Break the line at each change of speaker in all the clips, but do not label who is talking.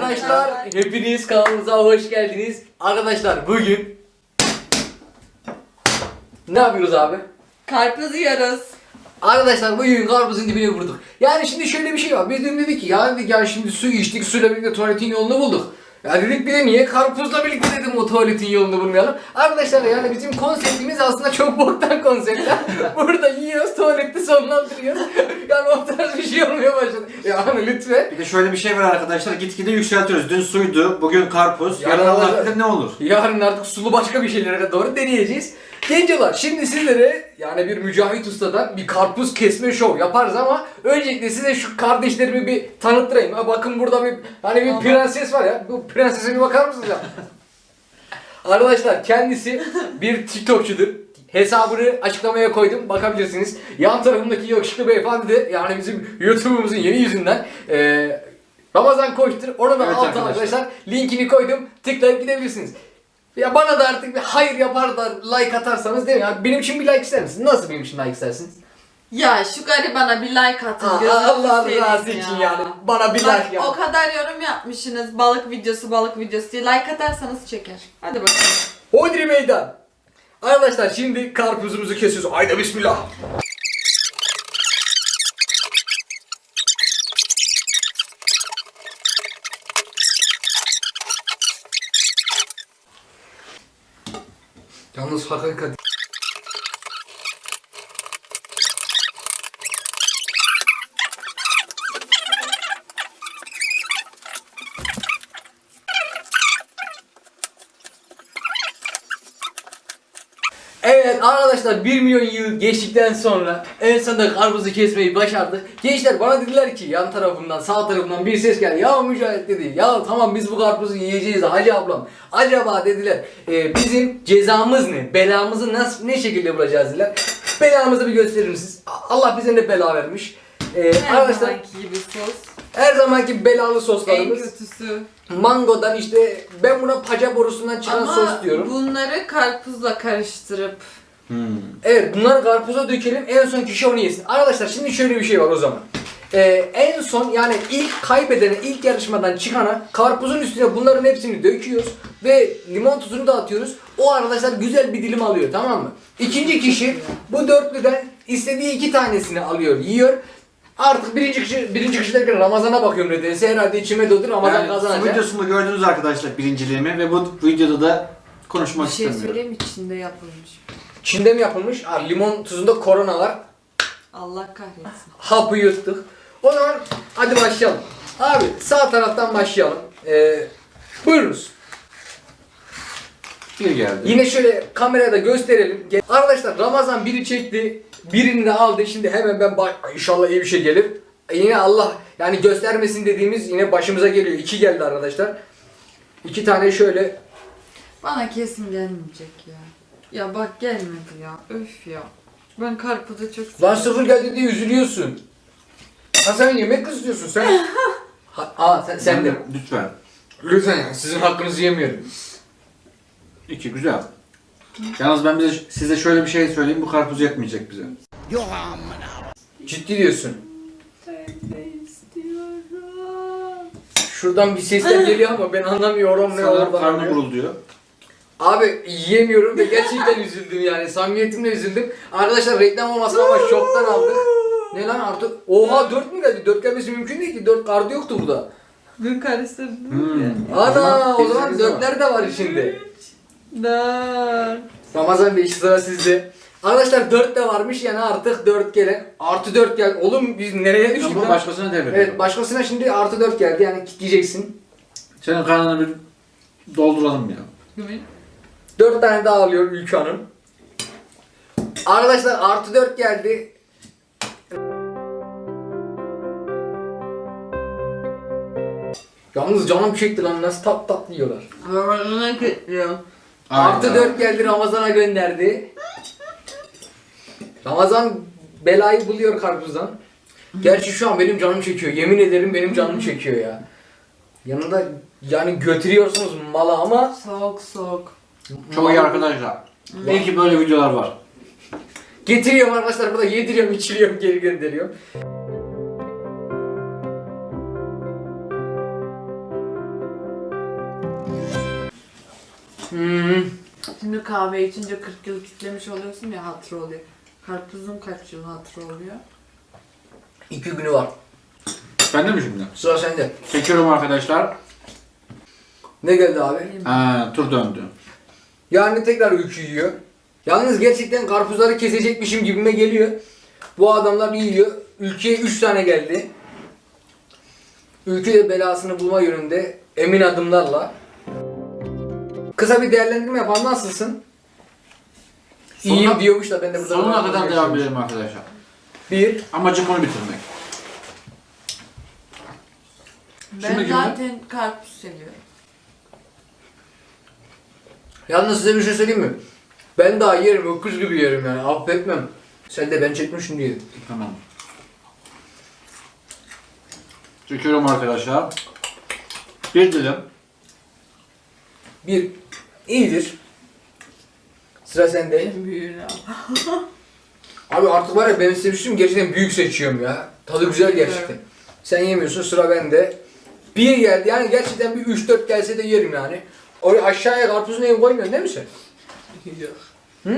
Arkadaşlar hepiniz kanalımıza hoş geldiniz. Arkadaşlar bugün ne yapıyoruz abi?
Karpuz yiyoruz.
Arkadaşlar bugün karpuzun dibine vurduk. Yani şimdi şöyle bir şey var. Biz dün dedik ki ya dedik ya şimdi su içtik, suyla birlikte tuvaletin yolunu bulduk. Ya dedik bir de niye karpuzla birlikte dedim o tuvaletin yolunu bulmayalım. Arkadaşlar yani bizim konseptimiz aslında çok boktan konseptler. Burada yiyoruz, tuvalette sonlandırıyoruz. Yani o tarz bir şey olmaya başladı. Yani lütfen.
Bir de şöyle bir şey var arkadaşlar, gitgide yükseltiyoruz. Dün suydu, bugün karpuz,
Yarın
yarın Allah
olacak.
bilir ne olur.
Yarın artık sulu başka bir şeylere doğru deneyeceğiz. Gencolar şimdi sizlere yani bir Mücahit Usta'dan bir karpuz kesme şov yaparız ama öncelikle size şu kardeşlerimi bir tanıttırayım. Ha, bakın burada bir hani bir prenses var ya. Bu prensese bir bakar mısınız ya? Arkadaşlar kendisi bir TikTokçudur. Hesabını açıklamaya koydum. Bakabilirsiniz. Yan tarafındaki yakışıklı beyefendi de yani bizim YouTube'umuzun yeni yüzünden Ramazan Koç'tur. Ona da
Evet
altına arkadaşlar linkini koydum. Tıklayıp gidebilirsiniz. Ya bana da artık bir hayır yapar da like atarsanız değil mi? Ya benim için bir like ister misiniz? Nasıl benim için like istersiniz?
Ya şu garibana bir like atın. gözünüzü
Allah
seveyim
razı
ya.
için yani. Bana bir
Bak,
like ya.
o kadar yorum yapmışsınız. Balık videosu diye like atarsanız çeker. Hadi bakalım.
Hodri meydan. Arkadaşlar şimdi karpuzumuzu kesiyoruz. Haydi bismillah. Yalnız hakikat. Evet arkadaşlar 1 milyon yıl geçtikten sonra en sonunda karpuzu kesmeyi başardık. Gençler bana dediler ki yan tarafından sağ tarafından bir ses geldi. Ya Mücahit dedi. Ya tamam biz bu karpuzu yiyeceğiz de Hacı ablam. Acaba dediler bizim cezamız ne? Belamızı nasıl ne şekilde bulacağız dediler. Belamızı bir gösterir misiniz? Allah bize ne bela vermiş.
Her
Arkadaşlar
zamanki gibi sos.
her zamanki belalı
En
soslarımız.
kötüsü.
Mangodan işte ben buna paca borusundan çıkan
Ama
sos diyorum.
bunları karpuzla karıştırıp
Evet bunları karpuza dökelim en son kişi onu yesin. Arkadaşlar şimdi şöyle bir şey var o zaman. En son yani ilk kaybedene ilk yarışmadan çıkana karpuzun üstüne bunların hepsini döküyoruz ve limon tuzunu da atıyoruz. O arkadaşlar güzel bir dilim alıyor tamam mı? İkinci kişi bu dörtlüden istediği 2 tanesini alıyor yiyor. Artık birinci kişi derken Ramazan'a bakıyorum nedense herhalde içime doğdu Ramazan
Yani su
kazanacak.
videosunda gördünüz arkadaşlar birinciliğimi ve bu videoda da konuşmak
bir şey
istemiyorum.
söyleyeyim içinde yapılmış.
Çin'de mi yapılmış? Limon tuzunda korona var.
Allah kahretsin.
Hapı yuttuk. O zaman hadi başlayalım. Abi sağ taraftan başlayalım. Buyurunuz.
Bir geldi.
Yine şöyle kameraya da gösterelim. Arkadaşlar Ramazan biri çekti. Birini de aldı. Şimdi hemen ben inşallah iyi bir şey gelir. Yine Allah yani göstermesin dediğimiz yine başımıza geliyor. 2 geldi arkadaşlar. 2 tane şöyle.
Bana kesin gelmeyecek ya. Ya bak gelmedi ya. Öf ya. Ben karpuzu çok
Lan
seviyorum.
0 geldi diye üzülüyorsun. Ha sen yemek kızıyorsun sen. Sen de.
Lütfen.
Lütfen ya sizin hakkınızı yemiyorum.
2 güzel. Yalnız ben size şöyle bir şey söyleyeyim, bu karpuz yetmeyecek bize.
Ciddi diyorsun.
Tövbe istiyorum.
Şuradan bir sesler geliyor ama ben anlamıyorum ne
Sanırım
oradan.
karnı
geliyor.
gurulduyor.
Abi yiyemiyorum ve gerçekten üzüldüm yani samimiyetimle üzüldüm. Arkadaşlar reklam olmasın ama şoktan aldık. Ne lan artık? Oha 4 mü geldi? 4 gelmesi mümkün değil ki. 4 kartı yoktu burada.
Dün karıştırdım ya.
Ana o zaman
sekiz var.
4'ler de var içinde.
4.
Ramazan Bey sıra sizde. Arkadaşlar 4 de varmış yani artık 4 gelen. Artı 4 gel. Oğlum biz nereye düştük
Ama
lan?
başkasına devrediyor.
Evet başkasına şimdi artı 4 geldi yani kitleyeceksin.
Senin karnını bir dolduralım ya.
4 tane daha alıyor Ülke Hanım. Arkadaşlar artı 4 geldi. Yalnız canım çekti lan nasıl tatlı yiyorlar.
Ramazan'a kutluyorum.
Artı
Aynen.
4 geldi Ramazan'a gönderdi. Ramazan belayı buluyor karpuzdan. Gerçi şu an benim canım çekiyor. Yemin ederim benim canım çekiyor ya. Yanında yani götürüyorsunuz mala ama
Soğuk soğuk.
Çok iyi arkadaşlar. İyi ki böyle videolar var.
getiriyorum arkadaşlar burada yediriyorum içiriyorum geri gönderiyorum.
Şimdi kahve içince 40 yıl kitlemiş oluyorsun ya, hatırı oluyor. Karpuzun kaç yıl hatırı oluyor?
2 günü var.
Ben de mi şimdi?
Sıra sende.
Çekiyorum arkadaşlar.
Ne geldi abi?
Tur döndü.
Yani tekrar ülkü yiyor. Yalnız gerçekten karpuzları kesecekmişim gibime geliyor. Bu adamlar bir yiyor. Ülkeye 3 tane geldi. Ülke de belasını bulma yönünde emin adımlarla. Kısa bir değerlendirme yapalım. Nasılsın? İyiyim diyormuş da ben de burada...
Sonuna kadar devam edelim arkadaşlar.
1.
Amacım onu bitirmek.
Ben
Şimdi
zaten karpuz seviyorum.
Yalnız size bir şey söyleyeyim mi? Ben daha yerim, öküz gibi yerim yani. Affetmem. Sen de ben çekmişim diye.
Tamam. Çekiyorum arkadaşlar. Bir dilim.
1. İyidir. Sıra sende.
En büyüğünü al.
Abi artık var ya ben sevmiştim gerçekten büyük seçiyorum ya. Tadı güzel gerçekten. Sen yemiyorsun, sıra bende. 1 geldi yani gerçekten bir 3-4 gelse de yerim yani. Oraya aşağıya karpuzun evi koymuyorsun değil mi sen?
Yok.
Hı?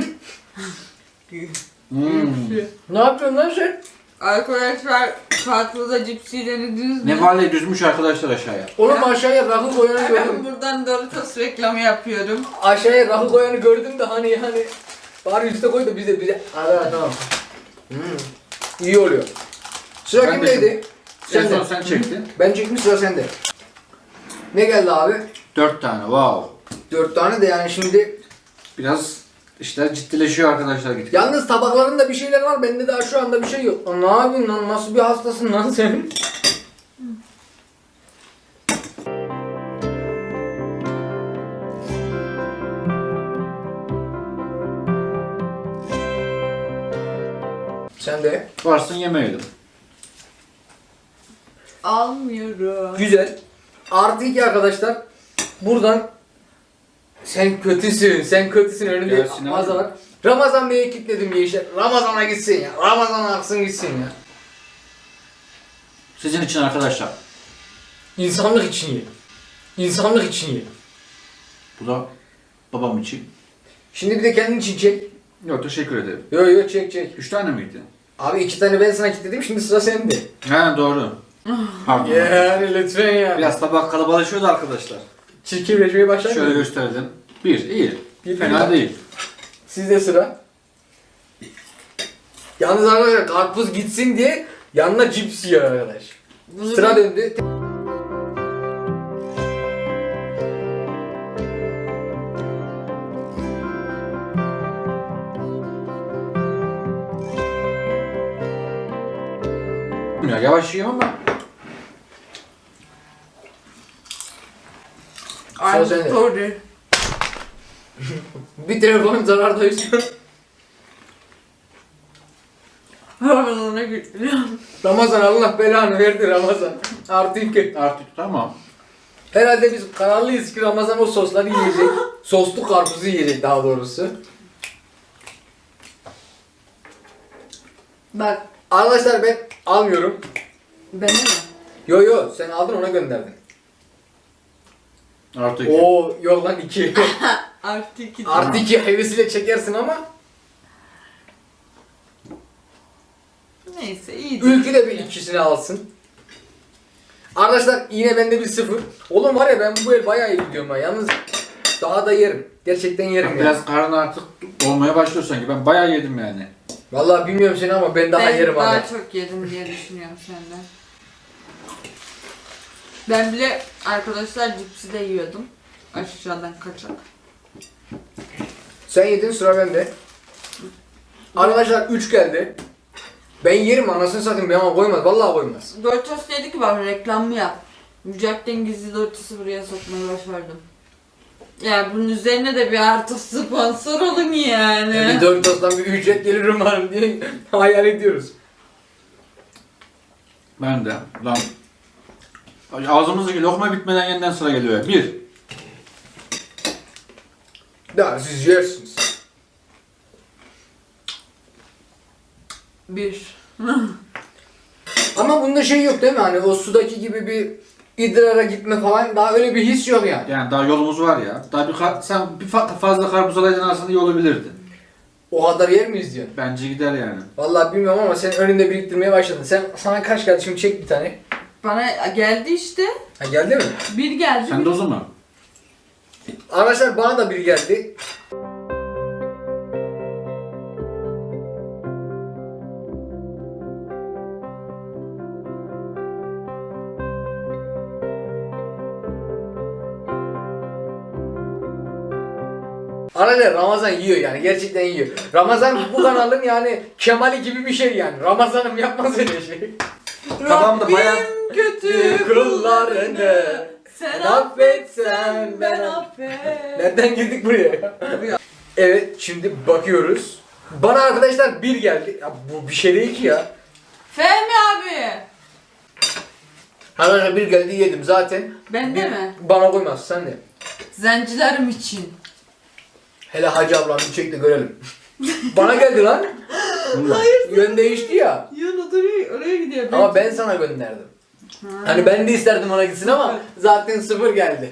Hmm.
Ne yapıyorsun lan sen?
Arkadaşlar karpuza cipsi denediniz mi?
Nevale düzmüş arkadaşlar aşağıya.
Oğlum aşağıya rakı koyanı
Ben
gördüm.
buradan Doritos reklamı yapıyorum.
Aşağıya rakı koyanı gördüm de hani bari üste koy da bize. Hadi tamam. İyi oluyor. Sıra
Ben de
kimdeydi?
En son sen çektin.
Ben çektim, sıra sende. Ne geldi abi?
4 tane. Wow.
4 tane de yani şimdi.
Biraz işler ciddileşiyor arkadaşlar gittik.
Yalnız tabaklarında bir şeyler var, bende daha şu anda bir şey yok. Lan ne yapıyorsun lan, nasıl bir hastasın lan sen? Sen de.
Varsın yemeyelim.
Almıyorum.
Güzel. Artı 2 arkadaşlar. Buradan sen kötüsün önünde
Gelsin abi.
Ramazan var. Ramazan Bey'e kilitledim gençler. Ramazan'a gitsin ya. Ramazan'a aksın gitsin ya.
Sizin için arkadaşlar.
İnsanlık için ye. İnsanlık için ye.
Bu da babam için.
Şimdi bir de kendin için çek.
Yok teşekkür ederim.
Yo çek.
3 tane miydi?
Abi 2 tane ben sana kilitledim, şimdi sıra sende.
He doğru. Pardon.
Yani lütfen yani.
Biraz tabak kalabalaşıyordu arkadaşlar.
Çirkinleşmeye başlar
Şöyle
mı?
gösterelim. 1 iyi.
Bir,
Fena
bir.
değil.
Sizde sıra. Yalnız arkadaşlar karpuz gitsin diye yanına cips yiyor arkadaş.
Bunu
Sıra döndü.
Ya yavaş yiyorum ama.
I'm
Sıra sende.
sorry.
Bir telefon zarardayız.
Ramazan'a gidiyorum.
Ramazan Allah belanı verdi Ramazan. Artı 2.
Artık tamam.
Herhalde biz kararlıyız ki Ramazan o sosları yiyecek. Soslu karpuzu yiyecek daha doğrusu.
Bak
Arkadaşlar ben almıyorum.
beni mi?
Yo sen aldın, ona gönderdin.
Artı 2.
Oo yok lan 2.
Artı 2.
Artı 2 hevesiyle çekersin ama.
Neyse iyi.
Ülkü de bir ikisini alsın. Arkadaşlar yine bende bir 0. Oğlum var ya ben bu el bayağı iyi gidiyorum ha. Yalnız daha da yerim. Gerçekten yerim yani.
Biraz karnı artık olmaya başlıyor sanki. Ben bayağı yedim yani.
Vallahi bilmiyorum seni ama ben daha
Ben
yerim
daha
abi.
çok yedim diye düşünüyorum senden. Ben bile arkadaşlar cipsi de yiyordum. Aşağıdan kaçak.
Sen yedin, sıra bende. Arkadaşlar 3 geldi. Ben yerim, anasını satayım, bana koymaz. Vallahi koymaz.
Doritos dedi ki bak reklamı yap. Mücahit'ten gizli Doritos'u buraya sokmayı başardım. Ya bunun üzerine de bir artı sponsor olun yani.
Bir Doritos'tan bir ücret gelir umarım diye hayal ediyoruz.
Ben de. Lan. Ağzımızdaki lokma bitmeden yeniden sıra geliyor. 1.
Daha siz yersiniz.
Bir.
Ama bunda şey yok değil mi? Hani o sudaki gibi bir idrara gitme falan daha öyle bir his yok yani.
Yani daha yolumuz var ya. Daha sen fazla karpuz alaydın aslında iyi olabilirdin.
O kadar yer miyiz diyorsun?
Bence gider yani.
Vallahi bilmiyorum ama sen önünde biriktirmeye başladın. Sana kaç geldi şimdi çek bir tane.
Bana geldi işte.
Ha geldi mi?
Bir geldi.
Sen de o zaman.
Arkadaşlar bana da bir geldi. Arkadaşlar Ramazan yiyor yani gerçekten yiyor. Ramazan bu kanalın yani Kemal'i gibi bir şey yani. Ramazan'ım yapmaz öyle şey.
Kafamda bayağı
kötü kullarını sen affetsen ben affet.
Nereden girdik buraya ya? Evet şimdi bakıyoruz. Bana arkadaşlar bir geldi. Ya bu bir şey değil ki ya.
Fehmi abi.
Arkadaşlar bir geldi yedim zaten.
Bende
Bir
mi?
Bana koymaz sen de.
Zencilerim için.
Hele Hacı ablam bir çek de görelim. Bana geldi lan.
Hayır.
Yön değişti ya.
Yan oraya gidiyor.
Ama ben sana gönderdim.
Ha.
Hani ben de isterdim ona gitsin ama zaten 0 geldi.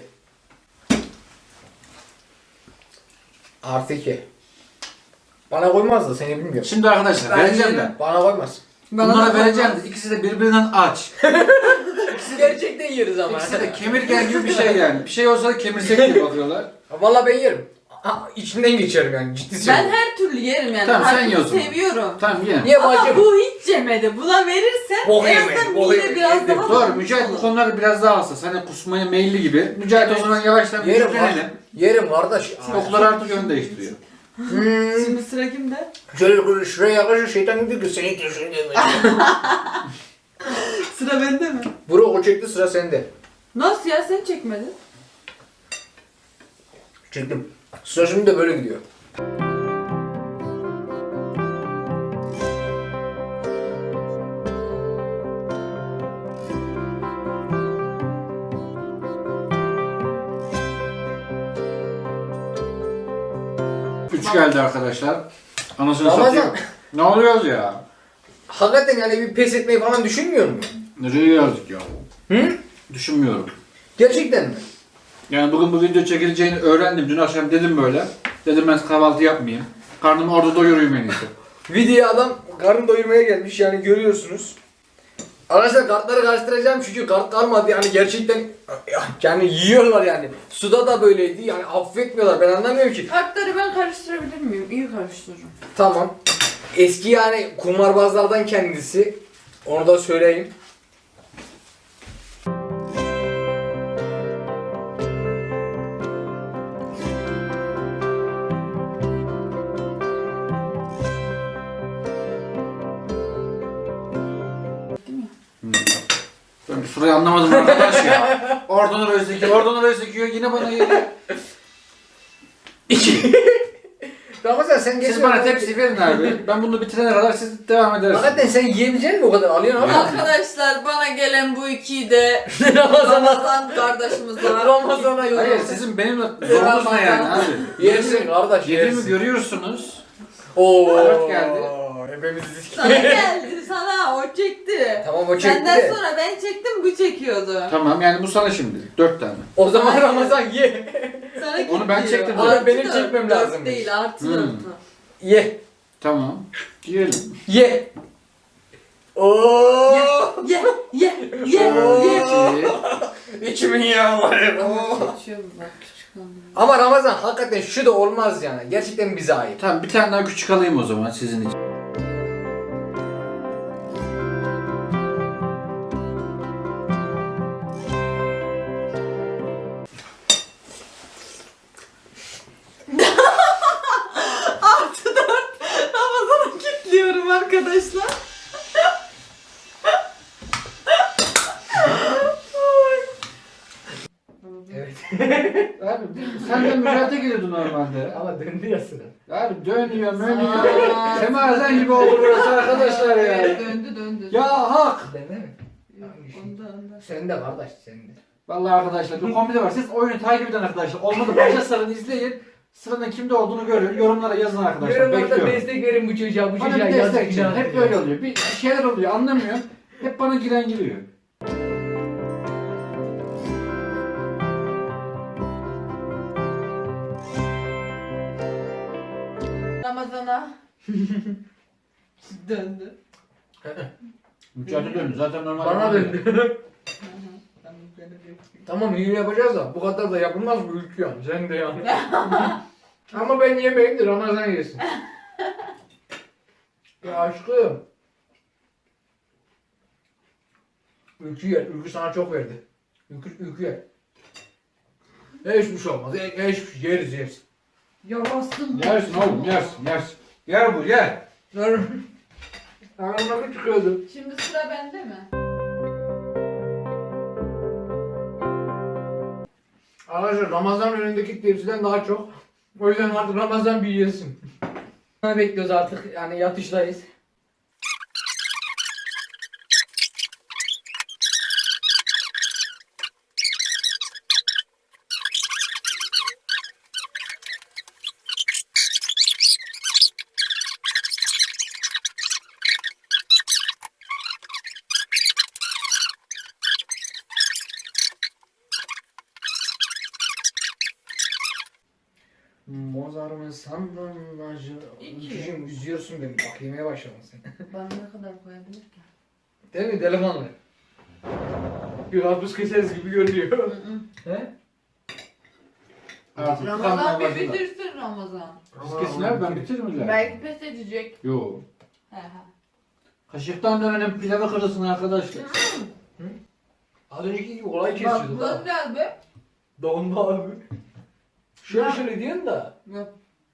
Artı 2. Bana koymaz da seni bilmiyorum.
Şimdi arkadaşlar vereceğim de.
Bana koymaz.
Bana
Bunlara
da
vereceğim
koymaz.
de ikisi de birbirinden aç.
Gerçekten yeriz ama.
İkisi de kemirgen gibi bir şey yani. Bir şey olsa da kemirsek diye bakıyorlar.
Vallahi ben yerim. İçinden geçerim yani ciddi
Ben
söylüyorum.
her türlü yerim yani.
Tamam, sen
Karpuzu
ye o zaman.
seviyorum.
Tamam ye.
Niye
Ama
bacım?
bu hiç yemedi. Buna verirsen
Bok
en
yemedi,
azından
bok
mide
yemedi,
biraz
yedim.
daha
Doğru,
doymuş
Mücahit bu
olur.
konuları biraz daha hassas. Hani kusmaya meyilli gibi. Mücahit o zaman yavaştan bir
Yerim
yüklenelim.
Yerim kardeş.
Oklar artık yön değiştiriyor.
Şimdi sıra kimde?
Şöyle şuraya yaklaşır şeytan gibi ki seni düşündüğüm.
Sıra bende mi?
Bro o çekti sıra sende.
Nasıl ya sen çekmedin?
Çektim. Sıra şimdi de böyle gidiyor.
Üç geldi arkadaşlar. Anasını
Ramazan.
satayım. Ne oluyoruz ya?
Hakikaten yani bir pes etmeyi falan düşünmüyor musun?
Nereye geldik ya?
Hı?
Düşünmüyorum.
Gerçekten mi?
Yani bugün bu video çekileceğini öğrendim. Dün akşam dedim böyle. Dedim ben kahvaltı yapmayayım. Karnımı orada doyurayım en iyisi.
Videoya adam karın doyurmaya gelmiş yani görüyorsunuz. Arkadaşlar kartları karıştıracağım çünkü kart kalmadı yani gerçekten yani yiyorlar yani. Suda da böyleydi yani affetmiyorlar ben anlamıyorum ki.
Kartları ben karıştırabilir miyim? İyi karıştırırım.
Tamam. Eski yani kumarbazlardan kendisi. Onu da söyleyeyim.
Ben bir sırayı anlamadım arkadaş ya. Oradan oraya sekiyor, oradan oraya sekiyor. Yine bana geliyor.
Ramazan sen
Siz bana tepsi verin abi. Ben bunu bitirene kadar siz devam edersiniz.
Hakikaten sen yiyebilecek misin o kadar alıyorsun ama.
Arkadaşlar bana gelen bu ikiyi de
Ramazan'a.
Ramazan kardeşimize
Ramazan'a
Hayır
yoruyorsun.
sizin benimle zorunuz ne yani abi?
Yersin kardeş
Yediğimi
yersin.
görüyorsunuz.
Oo.
Dört geldi.
Hepimiz
sana geldi sana o çekti.
Tamam o çekti
Senden
de.
sonra ben çektim bu çekiyordu.
Tamam yani bu sana şimdi. 4 tane.
O zaman
Hayır.
Ramazan ye.
Sana
Onu ben
gidiyor.
çektim
zaten.
Artı
Benim
dört,
çekmem
dört
lazımmış.
değil artı
Hmm.
4.
Ye.
Tamam. Yiyelim.
Ye. Oo.
Ye ye ye
Oo.
ye.
İçimin yağı var.
Seçiyorum bak küçük hanım.
Ama Ramazan hakikaten şu da olmaz yani. Gerçekten bize ait.
Tamam bir tane daha küçük alayım o zaman sizin için.
Artı 4 Ramazan'a kilitliyorum arkadaşlar.
Evet.
Abi sen de mücadele geliyordu normalde.
Ama döndü ya sıra.
Abi dönüyor, Semazen gibi oldu burası arkadaşlar ya.
Döndü döndü.
Ya hak.
Bende mi?
Onda.
Sen de kardeş sen de.
Vallahi arkadaşlar bir komedi var. Siz oyunu takip eden arkadaşlar. Olmadı başa sarın izleyin. Sıranın kimde olduğunu görün. Yorumlara yazın arkadaşlar.
Yorumlarda
Bekliyorum.
destek verin bu çocuğa. Bu
Bana
çocuğa
bir
yazık
destek
günah.
çıkın. Hep böyle oluyor. Bir şeyler oluyor anlamıyorum. Hep bana giren giriyor.
Ramazana. Döndü.
Mücadele döndü. Zaten normal.
Bana döndü.
Ben böyle bir-
Tamam iyi yapacağız da bu kadar da yapılmaz bu ülke yani. Sen de yani. Ama ben yemeyeyim de Ramazan yesin. Ya aşkım. Ülkü yer. Ülkü sana çok verdi. Ülkü yer. Hiçbir şey olmaz. Hiçbir şey yeriz.
Yarasın.
Yersin oğlum yersin yersin. Yer bu yer.
Aramda bir çıkıyordu.
Şimdi sıra bende mi?
Arkadaşlar Ramazan önündeki tepsiden daha çok. O yüzden artık Ramazan bir yesin. Ne bekliyoruz artık yani yatıştayız. Mozart'ın sandalacı.
İki.
Şimdi üzüyorsun beni. Bak yemeye başladın sen.
Ben ne kadar koyabilir ki?
Değil mi delikanlı? Bir karpuz keseriz gibi görünüyor. He?
Artık
Ramazan
kalmaya
bir
başladı.
bitirsin Ramazan.
Siz kesin abi ben bitiririm zaten.
Belki pes edecek.
Yo.
He he.
Kaşıktan dönenin pilavı kırılsın arkadaşlar.
Az önceki gibi olay
Bak
kesiyordu
bu
da.
biraz be.
Donma abi. Şöyle
Ya.
şöyle diyorsun da.
Yok.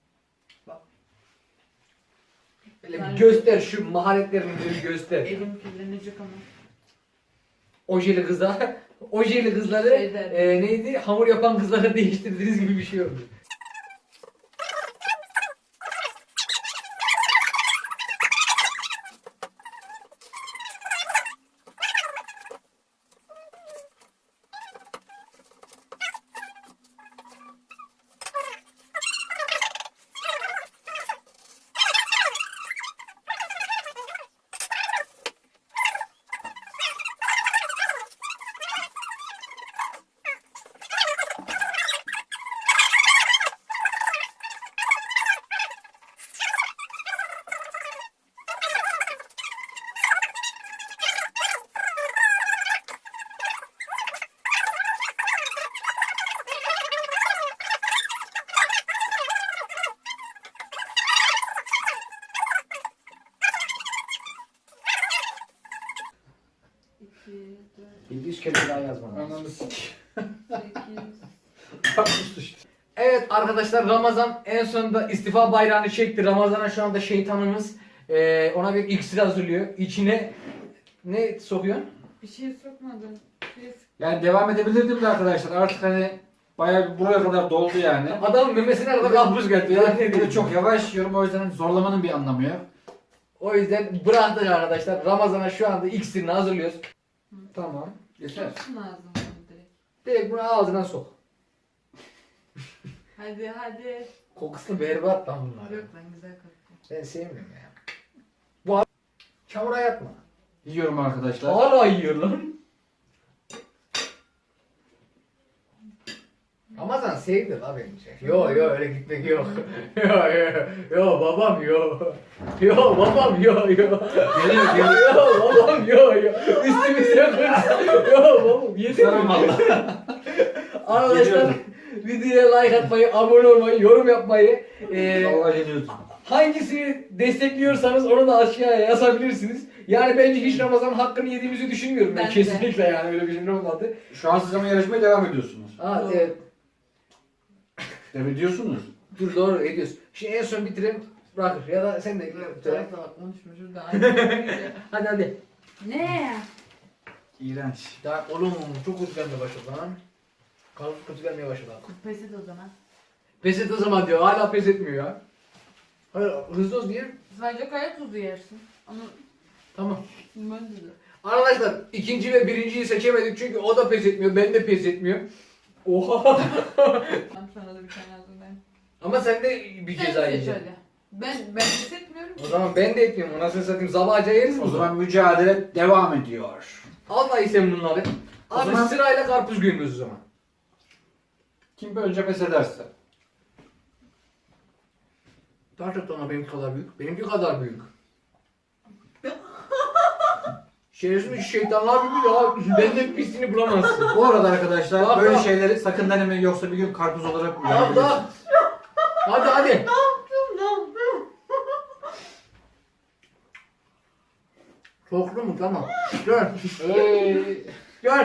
Böyle
Yani-
bir göster şu maharetlerini bir göster.
Elim kirlenecek ama.
Ojeli kızlar. Ojeli kızları
Şeyden.
neydi? Hamur yapan kızlara değiştirdiğiniz gibi bir şey oldu.
İki, dört,
700 kere daha yazmam.
Ananı sik.
8.
Evet arkadaşlar Ramazan en sonunda istifa bayrağını çekti. Ramazan'a şu anda şeytanımız ona bir iksir hazırlıyor. İçine ne sokuyorsun?
Bir şey sokmadın. Bir şey
Yani devam edebilirdim de arkadaşlar artık hani bayağı bir buraya kadar doldu yani.
Adam memesine kadar karpuz geldi ya. Ne
Bir de
diyeyim?
çok yavaş yiyorum o yüzden hani zorlamanın bir anlamı yok.
O yüzden bıraktık arkadaşlar. Ramazan'a şu anda iksirini hazırlıyoruz. Tamam. Yeter.
Soksun ağzına direkt.
Direkt bunu ağzına sok.
Hadi hadi.
Kokusunu berbat lan bunlar.
Yok lan güzel koktu.
Ben sevmiyorum ya. Bu abi çamura yatma.
Yiyorum arkadaşlar.
Hala yiyor lan. Ramazan sevdi la bence. Yo öyle gitmek yok. Yo babam yo. Yo babam yo.
Geliyor geliyor.
Yo babam yo. Üstümüze kırsın. Yo babam yedim.
Sarım valla.
Arkadaşlar
Geliyorum.
videoya like atmayı, abone olmayı, yorum yapmayı,
Allah geliyorsun.
hangisini destekliyorsanız onu da aşağıya yazabilirsiniz. Yani bence hiç Ramazan hakkını yediğimizi düşünmüyorum ben
Ben de.
kesinlikle yani öyle bir şey olmadı.
Şu an siz ama yarışmaya devam ediyorsunuz.
Ha,
Doğru.
Devam ediyorsunuz.
dur doğru ediyoruz. Şimdi en son bitirelim bırakır ya da sen de
Bu
bitir.
tarafa bak konuşma şurada. Aynı.
Hadi.
Ne?
İğrenç.
Ya oğlum çok kötü gelmeye başladı lan. Karpuz kötü gelmeye başladı.
Pes et o zaman.
Pes et o zaman diyor hala pes etmiyor ya. Hayır hızlı olsun diyelim.
Sadece kaya tuzu yersin. Ama
Tamam.
ben de.
Arkadaşlar ikinci ve birinciyi seçemedik çünkü o da pes etmiyor, ben de pes etmiyorum. Oha!
Ben sana da bir tane hazırlayayım.
Ama sen de bir
Sen
ceza
seç
yiyeceksin.
hadi. Ben pes etmiyorum
O
ki.
zaman ben de etmiyorum. Nasıl satayım? Zabaca yeriz
O
mi?
zaman mücadele devam ediyor.
Al dayı sen bunları.
O
Abi
zaman-
sırayla karpuz gömüyoruz o zaman.
Kim önce pes ederse.
Gerçekten ama benimki kadar büyük. Benimki kadar büyük. Şerefsiz şeytanlar gibi ya. Benden pisliğini bulamazsın.
Bu arada arkadaşlar
Bak,
böyle
bak.
şeyleri sakın denemeyin yoksa bir gün karpuz olarak
Tamam tamam.
uyuyabilirsiniz.
Hadi hadi. Soktu mu? Tamam. Gel. Gel.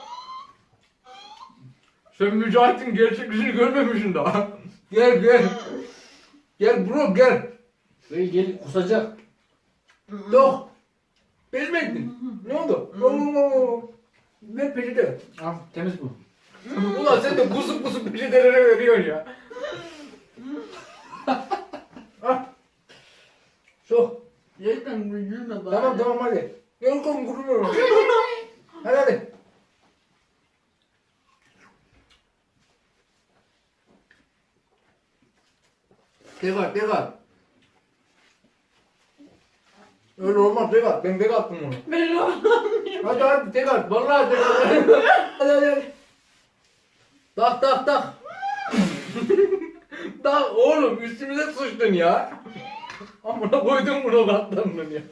Sen Mücahit'in gerçek yüzünü görmemişsin daha. Gel gel. Gel bro gel.
Gel kusacak.
Yok. Bezmektin. Ne oldu? Ver peçete.
Al temiz bu.
Ulan sen de kusup kusup peçetelere veriyorsun ya. Ah. Sok.
Gerçekten gülme bari.
Tamam tamam hadi. Gel oğlum kurumuyorum. Hadi hadi. Tekrar tekrar. Öyle olmaz tekrar. Ben tek attım onu.
Ben olamıyorum.
Hadi hadi tekrar. Vallahi tekrar. Hadi hadi. Tak tak tak. Tak oğlum üstümüze sıçtın ya. Amına koydum bunu katlandın ya.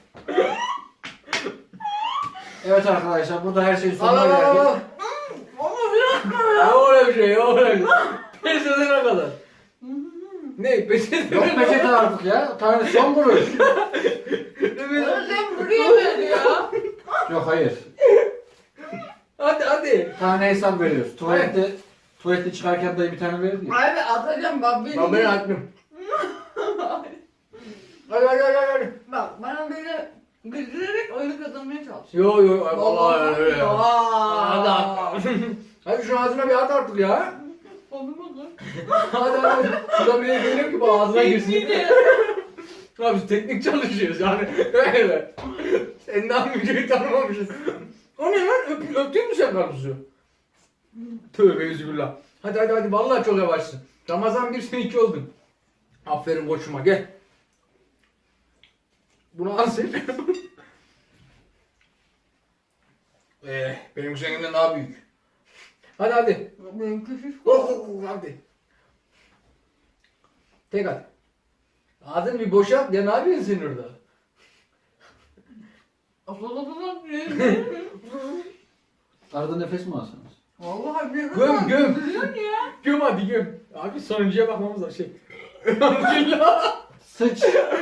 Evet arkadaşlar burada her şeyin
Al
sonuna
al al
geldik.
al.
Ama bir
Ya öyle bir şey ya öyle bir şey. Pes edene kadar. Ne pes edene
Yok peçete artık ya. Tane son vuruş.
Sen buraya ver ya.
Yok hayır.
Hadi hadi.
Tane hesap veriyoruz. Tuvalette çıkarken dayı bir tane verirdi ya.
Abi atacağım bak beni.
Ben beni attım. Hadi hadi hadi hadi.
Bak bana böyle güldürerek oyunu kazanmaya çalış.
Yo yo vallahi öyle ya. Hadi
Aa.
at. Hadi şu ağzına bir at artık ya.
Olmadı.
Hadi hadi. Şurada bir geliyor ki bu ağzına girsin.
Tekniği.
Ya biz teknik çalışıyoruz yani. Öyle. Sen daha müziği tanımamışız. O ne lan? Öptün mü sen karpuzu? Tövbe yüzübillah. Hadi hadi hadi vallahi çok yavaşsın. Ramazan 1 sen 2 oldun. Aferin koçuma gel. Bunu al sen. Benim seninle daha büyük. Hadi hadi.
Benim küçük.
Hadi. Tek at. Ağzını bir boşalt ya ne yapıyorsun sen orada?
Arada nefes mi alsanız?
Vallahi bir
Göm, göm.
Gülüyorsun ya.
Göm hadi göm. Abi sonuncuya bakmamız lazım. Şey. Elhamdülillah.
Sıç.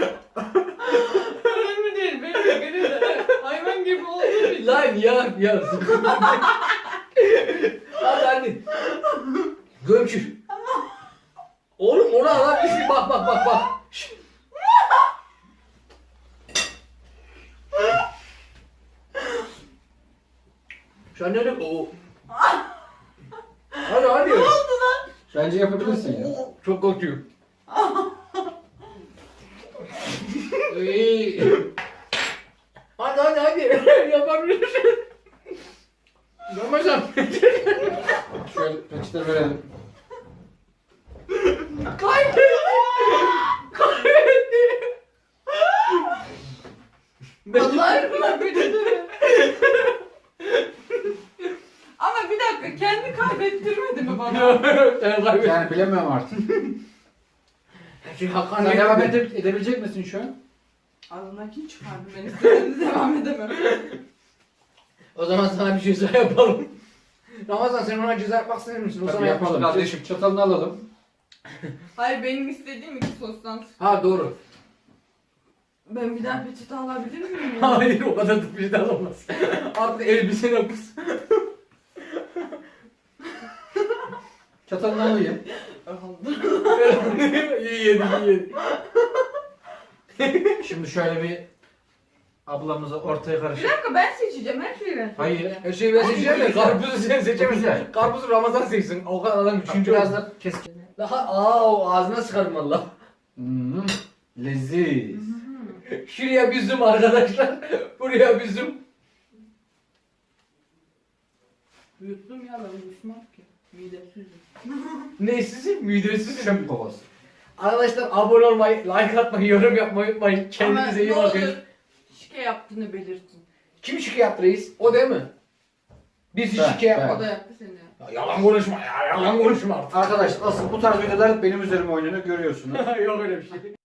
Önemli değil. Benim de gene de hayvan gibi olduğum için.
Lan ya. Hadi hadi. Gömçür. Oğlum ona lan bir şey bak. Şşt. Sen ne diyorsun? Oo. Hadi.
Bence yapabilirsin ya.
Çok korkuyorum. İyi. Hadi. Yapabilirsin. Ramazan.
Şöyle peçete verelim.
Kaybetti.
Allah aşkına peçete. Ama bir dakika kendi kaybettirmedi mi bana?
Sen kaybettin.
Yani bilemiyorum artık.
Çünkü Hakan
Sen devam edebilecek misin şu an?
Ağzımdakini çıkardım ben istediğimde devam edemem.
O zaman sana bir ceza yapalım. Ramazan sen ona ceza yapmak ister misin? O
Tabii
sana
yapalım.
yapalım kardeşim.
Çatalını alalım.
Hayır benim istediğim iki sostan.
Ha doğru.
Ben bir daha peçete alabilir miyim ya?
Hayır o kadar da bir ceza olmaz. Artık elbisene kız.
Çatalını alayım.
iyi yedi.
Şimdi şöyle bir ablamızı ortaya
Bir
karışık.
dakika ben seçeceğim her şeyi ben
Hayır.
seçeceğim.
Her şeyi ben seçeceğim de karpuzu sen seçemezsin.
Güzel.
Karpuzu Ramazan seçsin. O kadar adam üçüncü
Biraz
oldu.
da keskin.
Daha o ağzına sıkarım valla.
Leziz.
Şuraya bir zoom arkadaşlar. Buraya bir zoom.
Yuttum ya ben yutmam ki. Midesizim.
Neysiz? Midesiz.
Çöp kovası.
Arkadaşlar abone olmayı, like atmayı, yorum yapmayı unutmayın. Kendinize iyi
Ama ne
bakın.
olur şike yaptığını belirtin.
Kim şike yaptı reis? O değil mi? Biz
Ben,
şike yapmadık.
O da yaptı seni.
Ya yalan konuşma ya, yalan konuşma artık.
Arkadaşlar asıl bu tarz videolar benim üzerime oynuyor görüyorsunuz.
Yok öyle bir şey.